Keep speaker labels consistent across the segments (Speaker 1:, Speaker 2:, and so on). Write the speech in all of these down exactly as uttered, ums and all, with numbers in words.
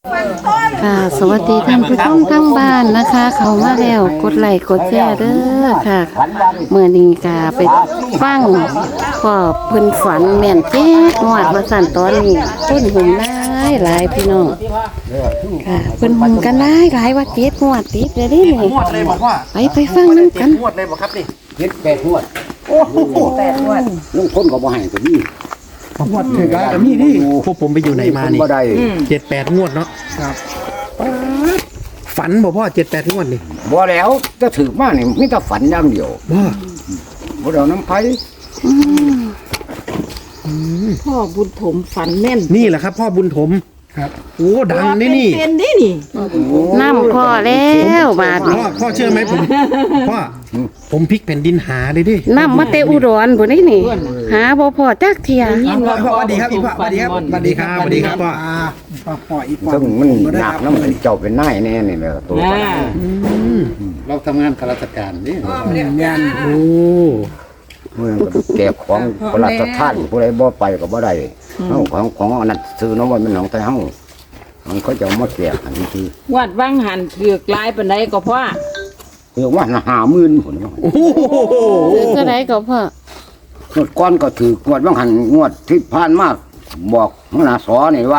Speaker 1: ค่ะสวัสดีท่านผู้ชมทั้งบ้านนะคะ เขามาแล้วกดไลค์กดแชร์เด้อค่ะเมื่อนี้ก็ไปฟังพ่อเพิ่นฝันแม่นเจ๊งวดมาสั่นตอนนี้ต้นหุ่มหลายหลายพี่น้องค่ะเพิ่นหุ่มกันหลายหลายว่าเจ็ดงวดติดเลยเดินี่
Speaker 2: งวดเลยบอกว่า
Speaker 1: ไปไปฟังนำกัน
Speaker 2: งวดเลยบอกครับนี่
Speaker 3: เจ็ดแปดงวด
Speaker 2: โอ้โห
Speaker 4: แปดงวด
Speaker 3: ลุงคนก็บ่ให้ตัวนี้
Speaker 2: งวดถึงแล้วนี่นี่พวกผมไปอยู่ไหนมานี่
Speaker 3: บ่ได้
Speaker 2: เจ็ดแปดงวดเนาะครับฝันบอกพ่อเจ็ดแปดงวดนี่
Speaker 3: บ่แล้วจะถือมานี่มีแต่ฝันอย่างเดียว
Speaker 2: ว่า
Speaker 3: บ่ได้เอาน้ำไผ
Speaker 4: พ่อบุญถมฝันแม่น
Speaker 2: นี่แหละครับ พ่อบุญถมครับโอ้ดังนี่นี่
Speaker 4: เป็นดินี่
Speaker 1: น้ำพ่อแล้วบาด
Speaker 2: พ่
Speaker 1: นี้
Speaker 2: อพ่อเชื่อไหมผมพ่อผมพลิกแผ่นดินหาเลยดิ
Speaker 1: น้ำมาเตอุดรพุ่นนี่นี่หาบ่พอจักเที่ย
Speaker 4: ยินว่า
Speaker 2: พ่อสวัสดีครับพี่พ่อสวัสดีครับสวัสดีครับสวัสดีครับพ่อพ่อพ่ออีก
Speaker 3: ซึ่งมันหนักน้ำมันเจ้าเป็นนายแน่นี่แหละตัว
Speaker 4: อ่า
Speaker 5: เราทำงานข้าราชการนี่
Speaker 2: งานโอ้
Speaker 3: เมื่อก็แก่ของพระราชทานผู้ใดบ่ไปก็บ่ได้เฮาของของอันนั้นซื้อน้ำมันมันของไทยเฮามันเขาจะเอามาแจกอันนี้คือ
Speaker 4: วัดวังหันเถือกลายปานใดก็พ่อ
Speaker 3: เรียกว่าห้าหมื่นพุ่น
Speaker 2: โอ้โห
Speaker 1: ซื้อเท่าใดก็พ่อง
Speaker 3: วดก่อนก็ถืองวดบางหันงวดที่ผ่านมาบอกหัวหน้าสอนี่ว่า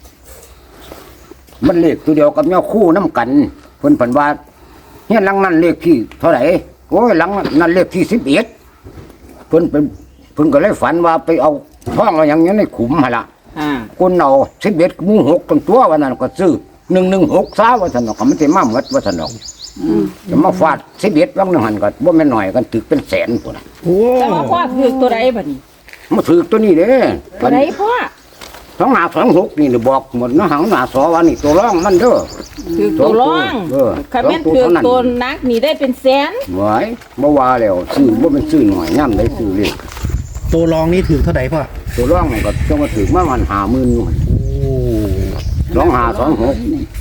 Speaker 3: มันเลขตัวเดียวกับแมวคู่น้ำกันเพิ่นเพิ่นว่าเฮียนหลังนั้นเลขที่เท่าไหร่โอ้ยหลังนั้นเลขที่สิบเอ็ดเพิ่นเป็นเพิ่นก็เลยฝันว่าไปเอาท่องเอาอย่างนี้ในขุมหั่นล่ะ
Speaker 4: อ่า
Speaker 3: คนเอาสิบเอ็ดหมู่หกตั้งตัววันนั้นก็ซื้อหนึ่งหนึ่งหกซาว่าสนอกก็มันสิมาหมดว่าสนอกจะมาฟาดสิบเอ็ดบางหนึ่งหันก็บ่แม่นหน่อยกันถึกเป็นแสนพุ่นน่ะ
Speaker 2: โอ้
Speaker 4: แต่ว่าพ่อถือกตัวใดบัดนี้
Speaker 3: มาถือตัวนี้เด้
Speaker 4: ตัวใดพ่อ
Speaker 3: สองหาสองหกนี่บอกหมดนะหังหน้าสอว่านี่ตัวร่องมันเด้อ
Speaker 4: ถือกตัวร้อง
Speaker 3: เออ
Speaker 4: คันแม่นถือกตัวนักนี่ได้เป็นแสน
Speaker 3: ไว้บ่ว่าแล้วซื้อบ่เป็นซื้อหน่อยย่ำได้ซื้อเลย
Speaker 2: ตัวรองนี่ถือเท่าไหร่พ่อ
Speaker 3: ตัวร่องมันก็ต้องมาถือมามันหาหมื่นอยู่
Speaker 2: โอ้
Speaker 3: สองหาสองหก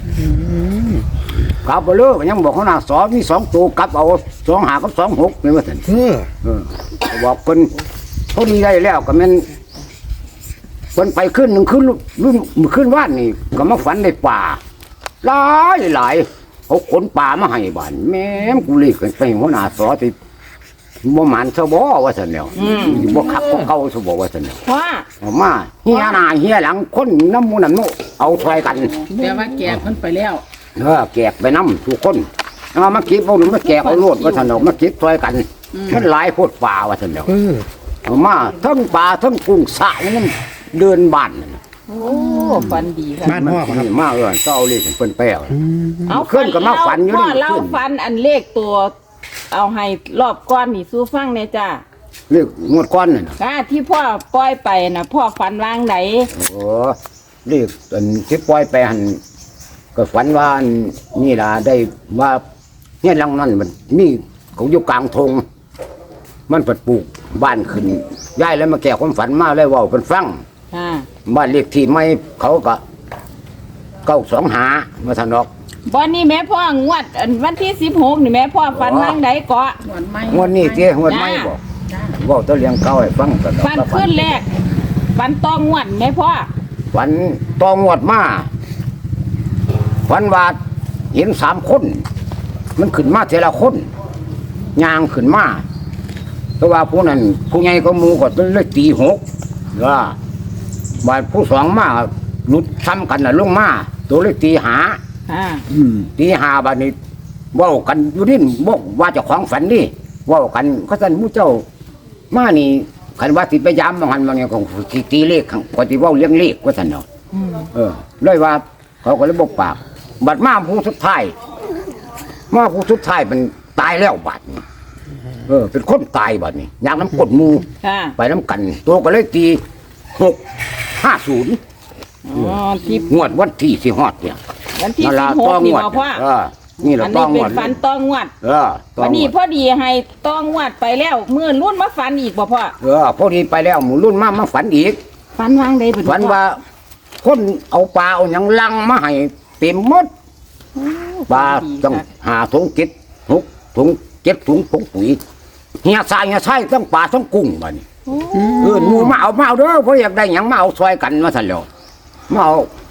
Speaker 3: กลับไปเลยยังบอกเขาหน้าสอมีสองตัวกลับเอาสองหากับสองหกนี่ว่าซั่น
Speaker 2: เออ
Speaker 3: เออบอกเพิ่นพอดีได้แล้วก็แม่นเพิ่นไปขึ้นหนึ่งขึ้นรุ่นขึ้นว่านนี่ก็มาฝันในป่าหลายหลายเขาขนป่ามาให้บ้านแม่มกูเลยกันไปหัวหน้าสอที่บ่หมันซะบ่ว่าซั่นแล้วบ่ขับบ่เก่าซะบ่ว่าซั่นแล้ว
Speaker 4: พ่อ
Speaker 3: เอามาเฮียหน้าเฮียหลังคนน้ำมูน้ำโนเอาช่วยกัน
Speaker 4: แต่ว่าแกเพิ่นไปแล้ว
Speaker 3: เออแกกไปน้ำทุกคนเอามาเก็บเอาหนูมาแกกเอาโลดว่าซั่นเอามาเก็บช่วยกันมันหลายโพดป่าว่าซั่นแล้ว
Speaker 2: เออ
Speaker 3: เอามาทั้งป่าทั้งกุ้งสระนี่มันเดินบ้านนั่นน่ะ
Speaker 4: โอ้ฝันดีค่ะ
Speaker 2: บ้านพ่อครับ
Speaker 3: นี่มาเออเจ้าเลขเพิ่นแป้ว
Speaker 4: เอา
Speaker 3: ขึ้นก็มาฝันอยู่
Speaker 4: พ่อ
Speaker 3: นี่
Speaker 4: เล่าฝันอันเลขตัว เอาให้รอบก้อนนี่สู้ฟังแน่จ้า
Speaker 3: เลขงวดก้อนนั่นน่ะ
Speaker 4: อ่าที่พ่อปล่อยไปน่ะพ่อฝันวางไหน
Speaker 3: โอ้เลขอันที่ปล่อยไปหันก็ฝันว่าอันนี่ล่ะได้ว่าเนี่ยหลังนั้นมันมีเขาอยู่กลางทงมันเปิดปลูกบ้านขึ้นย้ายแล้วมาแก้ความฝันมาเลยเว่าเป็นฟัง
Speaker 4: อ่า
Speaker 3: บ้านเลขที่ไม่เขาก็เก้าสองหามาทานดอก
Speaker 4: วันนี้แม่พ่องวดอันวันที่สิบหกนี่แม่พ่อฝันวางไหนเกาะ
Speaker 3: งวดนี้เจ้งวดไม่บอกเว่าแตัวเลี้ยงเก้าให้ฟังกันดอก
Speaker 4: ฝันขึ้นแรกฝันต้องงวดแม่พ่อ
Speaker 3: ฝันตองวดมาฝันว่าเห็นสามคน มันขึ้นมาเทละคนยางขึ้นมาเพราะว่าผู้นั้นผู้ใหญ่ก็หมูก็เลยตีหกว่าบาดผู้สองมาหลุดซ้ำกันน่ะลงมาตัวเลยตีหา
Speaker 4: อ่า
Speaker 3: ตีหาบาดนี้เว้ากันอยู่ดินบอกว่าเจะของฝันนี่เว้ากันก็สั่นหมู่เจ้ามานี่คันว่าสิไปย้ำบางหันบางอย่างของสิตีเลขข้างกว่าสิเว้าเลี้ยงเลขว่าสั่นเนาะเออเลยว่า เขาก็เลยบอกปากบัดมาผู้สุดท้ายมาผู้สุดท้ายมันตายแล้วบัดนี้เออ เป็นคนตายบัดนี้อยากน้ำกดหมู
Speaker 4: ค่ะ
Speaker 3: ไปน้ำกัน ตัวก็เลยตีหกห้าศูนย์
Speaker 4: อ๋อที่
Speaker 3: งวดวันที่สิฮอดเนี่ย
Speaker 4: วันที่
Speaker 3: นั่น
Speaker 4: สิ
Speaker 3: ล่ะ
Speaker 4: บหก
Speaker 3: ต้อง
Speaker 4: นี่
Speaker 3: งวด
Speaker 4: บ่พ่อ
Speaker 3: เออนี่แหละ
Speaker 4: อัน
Speaker 3: ต้
Speaker 4: นี้
Speaker 3: องง
Speaker 4: เป็
Speaker 3: วน ด
Speaker 4: ฝันต้องงวด
Speaker 3: เออต้อ
Speaker 4: วัน
Speaker 3: ง
Speaker 4: นี้
Speaker 3: งวด
Speaker 4: พอดีให้ต้องงวดไปแล้วเมื่อรุ่นมาฝันอีกบ่พ่อ
Speaker 3: เออพอดีไปแล้วหมูรุ่นมามาฝันอีก
Speaker 4: ฝันวางใดบ่
Speaker 3: ฝันว่า คนเอาปลาเอาหยังลังมาให้เต็มหมดปลาต้องหาถุงเก็ดหกถุงเก็ดถุงผงปุ๋ยเฮียทรายเฮียทรายต้องปลาต้องกุ้งบัดนี้เออหมูมาเอามาเอาเด้อเพราะอยากได้หยังมาเอาซอยกันมาสั่นแล้วมาเอา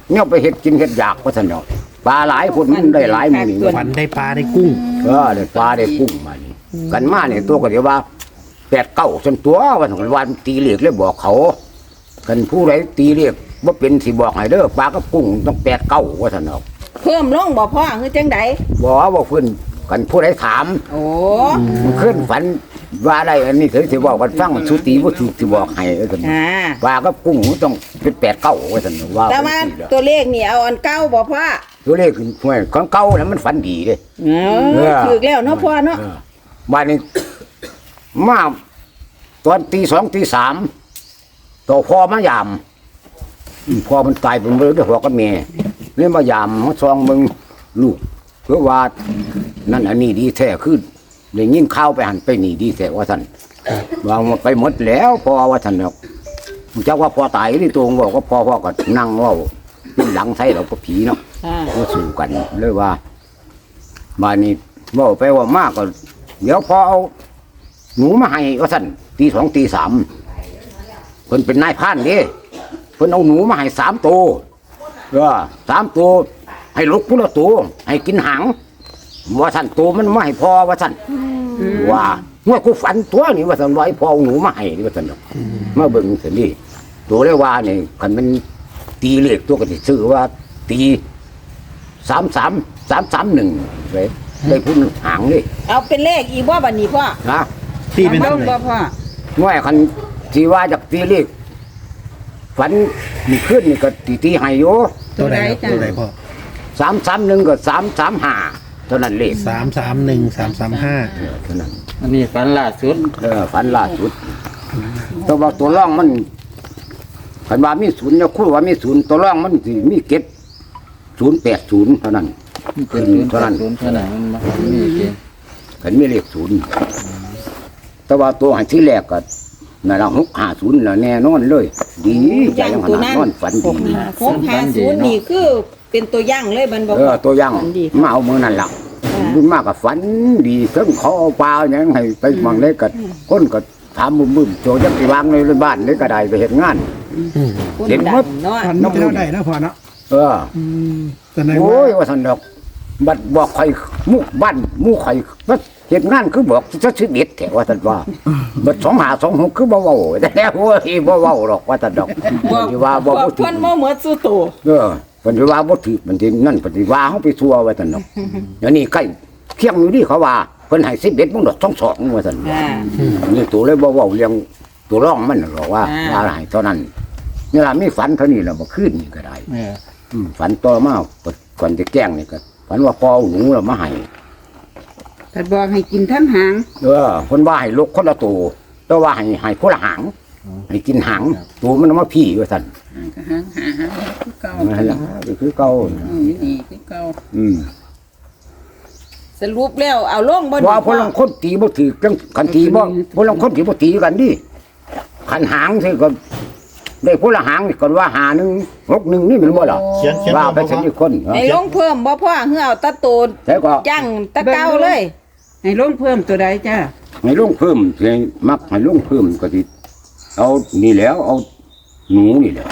Speaker 3: เนี่ยไปเฮ็ดกินเฮ็ดอยากว่าซั่นดอกปลาหลายคนมันได้หลายมื้อนี้
Speaker 2: ฝันได้ปลาได้กุ้ง
Speaker 3: เออได้ปลาได้กุ้งมานี่กันมาเนี่ยตัวก็เดี๋ยวว่าแปดเก้าจนตัววันของวันตีเลขเลยบอกเขากันผู้ใดตีเลขบ่เป็นสิบอกให้เด้อปลากับกุ้งต้องแปดเก้าว่าซั่นดอก
Speaker 4: เพิ่มลงบ่พ่อคือจังได
Speaker 3: บอกว่าเพิ่นกันผู้ใดถาม
Speaker 4: โอ้
Speaker 3: มันขึ้นฝันว่าได้อันนี้คือสิบอกกันฟังสุตีบ่ถูกสิบอกให้ว่าซั่น
Speaker 4: อ่า
Speaker 3: ปลากับกุ้งต้องเป็นแปดเก้าว่าซั่นว่า
Speaker 4: แต่ว่าตัวเลขนี่เอาอันเก่าบ่พ่อ
Speaker 3: ตัวเลขคือห่วยของเก่าน่ะมันฝันดีเด้
Speaker 4: เออถูกแล้วเนาะพ่อเนาะ
Speaker 3: เออบ้านนี้มาตอนตีสองตีสามต่อพ่อมายามอืมพ่อมันตายเป็นเรื่องด้วยหัวกับแม่เนี่ยมายามมาซองมึงลูกเพื่อว่านั่นอันนี้ดีแท้ขึ้นเลยยิ่งเข้าวไปหันไปหนีดีแท้ว่าท่านวางไปหมดแล้วพอว่าท่านเนาะเจ้าว่าพอตายที่ตัวบอกว่าพอพ่อก็นั่งเว่าเป็นหลังใส่เราก็ผีเนาะ
Speaker 4: อ่า
Speaker 3: ก็สู่กันเลยว่าบ้านนี้เว่าไปว่ามากก็เดี๋ยวพอเอาหนูมาให้ก็สั่นตีสองตีสามเพิ่นเป็นนายพรานเด้เพิ่นเอาหนูมาให้สามตัวเออสามตัวให้ลุกพุละตัวให้กินหางว่าสั่นตัวมันไม่ให้พอว่าสั่นว่าเมื่อกูฝันตัวนี่ว่าสั่นไว้พอเอาหนูมาให้นี่ว่าสั่นดอกมาเบิ่งสินี่ตัวเรียกว่านี่คันมันตีเลขตัวก็สิชื่อว่าตีสามสามสามสามหนึ่งเลยได้พุ่นหางนี่
Speaker 4: เอาเป็นเลขอีกบ่บัดนี้พ่อ
Speaker 3: นะ
Speaker 2: ที่เป็น
Speaker 4: ล
Speaker 2: ตัว
Speaker 4: ง
Speaker 2: ไหน
Speaker 4: บ่พ่อ
Speaker 3: ง่ายคันที่ว่าจากตีเลขฝันมีขึ้นนี่ก็ตีตีให้โย
Speaker 2: ตัวไหนครับตัวไหนพ่อ
Speaker 3: สามสามหนึ่งก็สามสามห้าเท่านั้นเลข
Speaker 2: สามสามหนึ่งสามสามห้า
Speaker 3: เออเท่านั้น
Speaker 5: อันนี้ฝันล่าสุด
Speaker 3: เออฝันล่าสุดตัวว่าตัวร่องมันคันว่ามีศูนย์เนี่ยคู่ว่ามีศูนย์ตัวร่องมันสิมีเก็ดศูนย์แปดศูนย์เท่านั้น
Speaker 5: เป็นศูนย์แปดศูนย์เท่านั้นมันมามีเกณฑ์
Speaker 3: ขันมีเลขศูนย์แต่ว่าตัวหันที่แรกก็นั่นละหกห้าศูนย์ละแน่นอนเลย ดีใจยังขนาดนอนฝันดี
Speaker 4: หกห้าศูนย์นี่คือเป็นตัวอย่างเลยบันบ่
Speaker 3: เออตัวอยัง
Speaker 4: ฝันดี
Speaker 3: มาเอามือนั่นละ
Speaker 4: อ่า
Speaker 3: รุ่นมากกับฝันดีเพิ่งเขาเอาปลาอย่างให้ไปมังเล็กกับคนก็ถามมึมๆโจยักษ์วางในบ้านเลยก็ได้ไปเห็นงาน
Speaker 4: คน
Speaker 3: เห็น
Speaker 4: ดั
Speaker 3: หม
Speaker 4: ง
Speaker 3: ด
Speaker 4: เนาะ
Speaker 6: ฝันไม่เท่าใดนะพ่อเนาะ
Speaker 3: เออ
Speaker 6: อืมแต่ใน
Speaker 3: โอ้
Speaker 6: ว่าย
Speaker 3: ว่าสันดอกบัดบอกใครมุกบ้านมุกใครว่าเหตุงานคือบอกจะชีวิตแถวว่าสันว่าบัดสองหาสองหกคือบ่เว้าแต่แล้วว่าที่บ่เว้าหรอกว่าสันดอกที่ว่าบ่
Speaker 4: บอก
Speaker 3: บ่ถื
Speaker 4: เพิ่น
Speaker 3: อ
Speaker 4: บ่เหมือนสู้ตัว
Speaker 3: เออปฏิว่าบ่ถือมันสินั่นปฏิว่าเฮาไปทัวว่าซั่นเนาะ เดี๋ยวนี้ใกล้เที่ยงอยู่นี่เขาว่าเพิ่นให้สิบเอ็ดมึงดอกสองสองว่าซั่น
Speaker 4: อ่า
Speaker 3: นี่ตัวเลยบ่เว้าเรื่องตัวร่องมันหรอกว่า
Speaker 4: อ่า
Speaker 3: ว่าให้เท่านั้นนี่ล่ะมีฝันเท่านี้แล้วบ่คืนนี่ก็ได้
Speaker 5: เออ
Speaker 3: อืมฝันต่อมาก่อนจะแกล้งนี่ก็ฝันว่าพอเอาหนูแล้วมาให้
Speaker 7: แต่บอกให้กินทั้งหาง
Speaker 3: เออเพิ่นว่าให้ลกคนละตัวแต่ว่าให้ให้คนละหางให้กินหางตัวมันเอามาพี่ว่าซั่น
Speaker 7: หางหางหางคือเก่า
Speaker 3: นั่นล่ะก็คือเก่า
Speaker 7: อืมนี่คือเก่า
Speaker 3: อืม
Speaker 4: สรุปแล้วเอาลงบ่
Speaker 3: ว่าพลังคนตีบ่ถือกันคันตีบ่พลังคนตีบ่ตีกันดิคันหางสิก็ได้พละหางนี่ก่อนว่าหาหนึ่งหกหนึ่งนี่มันบ่ล่ะ
Speaker 5: เขียนเขียน
Speaker 3: ว่าไปสิบคน
Speaker 4: ให้ลงเพิ่มบ่พ่อเฮือเอาตะโตน
Speaker 3: แต่ก็
Speaker 4: ย่างตะเก้าเลย
Speaker 7: ให้ลงเพิ่มตัวใดจ้า
Speaker 3: ให้ลงเพิ่มให้มักให้ลงเพิ่มก็สิเอานี่แล้วเอาหนูนี่แหละ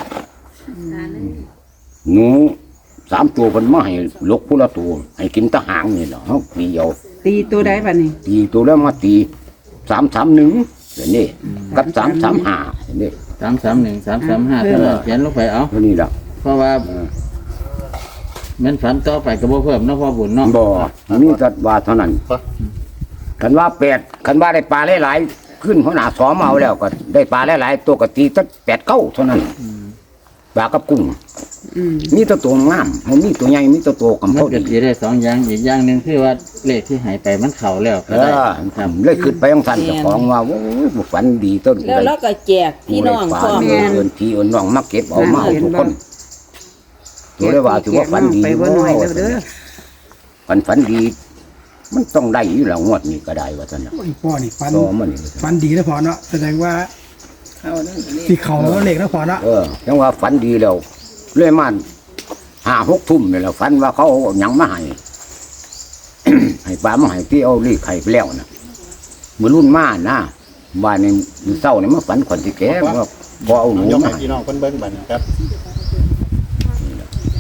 Speaker 3: หนูสามตัวเพิ่นมาให้ลกผู้ละตัวให้กินแตะหางนี่ล่ะเฮาตีเอา
Speaker 7: ตีตัวใดบัดนี้
Speaker 3: ตีตัวแล้วมาตีสามสามหนึ่งเดี๋ยวนี้กับสามสามห้าเดี๋ยวนี้
Speaker 5: สามสามหนึ่งสามสามห้าเท่านั้นเขียนลงไปเอา
Speaker 3: เท่านี้ล่ะ
Speaker 5: เพราะว่าแมันฝันต่อไปก็บ่เพิ่มเนาะพ่อบุญเนาะ
Speaker 3: บ่มีแต่ว่าเท่านั้นคันว่าแปดคันว่าได้ปลาหลายๆขึ้นหัวหน้าสอมเอาแล้วก็ได้ปลาหลายๆตัวก็ตีตั้งแปดเก้าเท่านั้นปลากับกุ้ง
Speaker 7: อืม
Speaker 3: มีแต่ตัวงามมันมีตัวใหญ่มีแต่ตัวกำ
Speaker 5: มัน
Speaker 3: เพ่อ
Speaker 5: ก็
Speaker 3: ดี
Speaker 5: สิได้สองอย่างอีกอย่างหนึ่งคือว่าเลขที่หายไปมันเข้าแล้ว
Speaker 3: เอ
Speaker 5: ก็ได้
Speaker 3: อ
Speaker 5: ครับ
Speaker 3: เลยขึ้นไปของท่านเจ้าของว่าโอ้ยฝันดีต้น
Speaker 4: แล้วเราก็แจกพี่น้องพร้อม
Speaker 3: เเอินพี่เอินน้องมาเก็บเอามาเอาทุกคนตัวเลยว่าถือว่าฝันดี
Speaker 7: ไปบ่น้อยแล้วเด้อ
Speaker 3: ฝันฝันดี มันต้องได้อยู่แล้วงวดนี้ก็ได้ว่าท่านน่ะ
Speaker 6: โอ้ยพ่อนี่ฝัน
Speaker 3: ต่อมันนี่
Speaker 6: ฝันดีนะพ่อเนาะแสดงว่า
Speaker 7: เข้าเด้อเลข
Speaker 6: ที่เขาเหล็กนะพ่อเนาะ
Speaker 3: เออยังว่าฝันดีแล้วเรื่อยมาห้าหกทุ่มนี่แหละฝันว่าเขาเอาหยังมาให้ ให้ปลามาให้ที่เอาลีไข่ไปแล้วนะมือรุ่นมานะบ้านในมือเศร้าเนี่ยมาฝันขวัญที่แก่ว่าพอเอาหนู
Speaker 5: ยก
Speaker 3: มา
Speaker 5: ให้
Speaker 3: ให้
Speaker 5: พี่น้องเพิ่นเบิ่งบัดนี้ครับ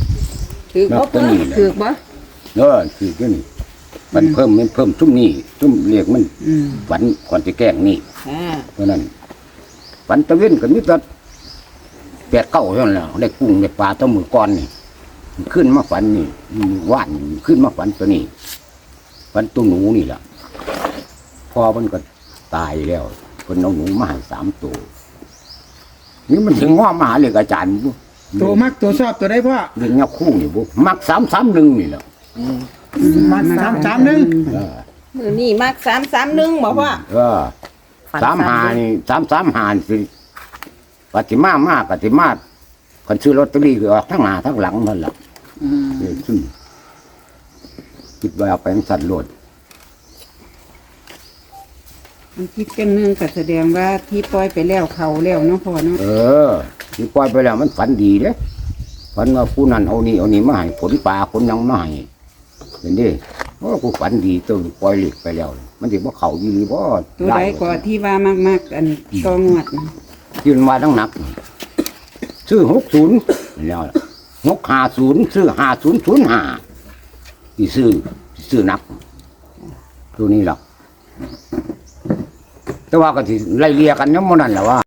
Speaker 7: ถือ
Speaker 3: นั
Speaker 7: บ่
Speaker 3: บตัวนี้แหละ
Speaker 7: ถือบ่
Speaker 3: เออคือตัวนี้มันเพิ่มมันเพิ่มชุ่มนี่ชุ่มเรียกมัน
Speaker 7: อืม
Speaker 3: ฝันก่อนจะแกล้งนี่
Speaker 4: อ่า
Speaker 3: เพราะนั้นฝันตะเว้นกันนิดละแปดเก้าเท่านั้นแหละได้กุ้งได้ปลาตัวมือก้อนนี่ขึ้นมาฝันนี่ว่านขึ้นมาฝันตัวนี้ฝันตัวหนูนี่แหละพอมันก็ตายแล้วคนเอาหนูมาให้สามตัวนี่มันถึงว่ามาหาเรียกอาจารย์บุ
Speaker 6: ตัวมักตัวชอบตัวได้พ่อ
Speaker 3: เรื่องเงาคู่นี่บุมักสามสามหนึ่งนี่แหละ
Speaker 6: มักสามสามหนึ่ง
Speaker 3: เออ
Speaker 4: มือนี่มักสามสามหนึ่งบอกว่า
Speaker 3: เออสามหานี่สามสามหานี่สิปฏิมามากปฏิมาคนซื้อลอตเตอรี่คือออกทั้งหน้าทั้งหลังนั่นแหละ
Speaker 7: อืม
Speaker 3: เออซึ่งคิดว่าเอาไปสัตว์โลด
Speaker 7: มันคิดกันหนึงก็แสดงว่าที่ปล่อยไปแล้วเขาแล้วเนาะพ่อเนาะ
Speaker 3: เออที่ปล่อยไปแล้วมันฝันดีเด้ฝันว่าผู้นั้นเอานี่เอานี่มาให้ผลปลาผลหยังมาให้เห็นดิโอ้กูฝันดีตัวปล่อยเหล็กไปแล้ว มันถือว่าเขาดีหรือบ่
Speaker 7: ตัวใดก็ที่ว่ามากๆอันตองวดนะ
Speaker 3: ยืนมาทั้งหนัก ซื้อหกศูนย์แล้วหกห้าศูนย์ซื้อห้าศูนย์ศูนย์ห้าที่ซื้อซื้อนัก ตัวนี้หรอกแต่ว่าก็ที่ไล่เลียกันยังมันนั่นแหละว่า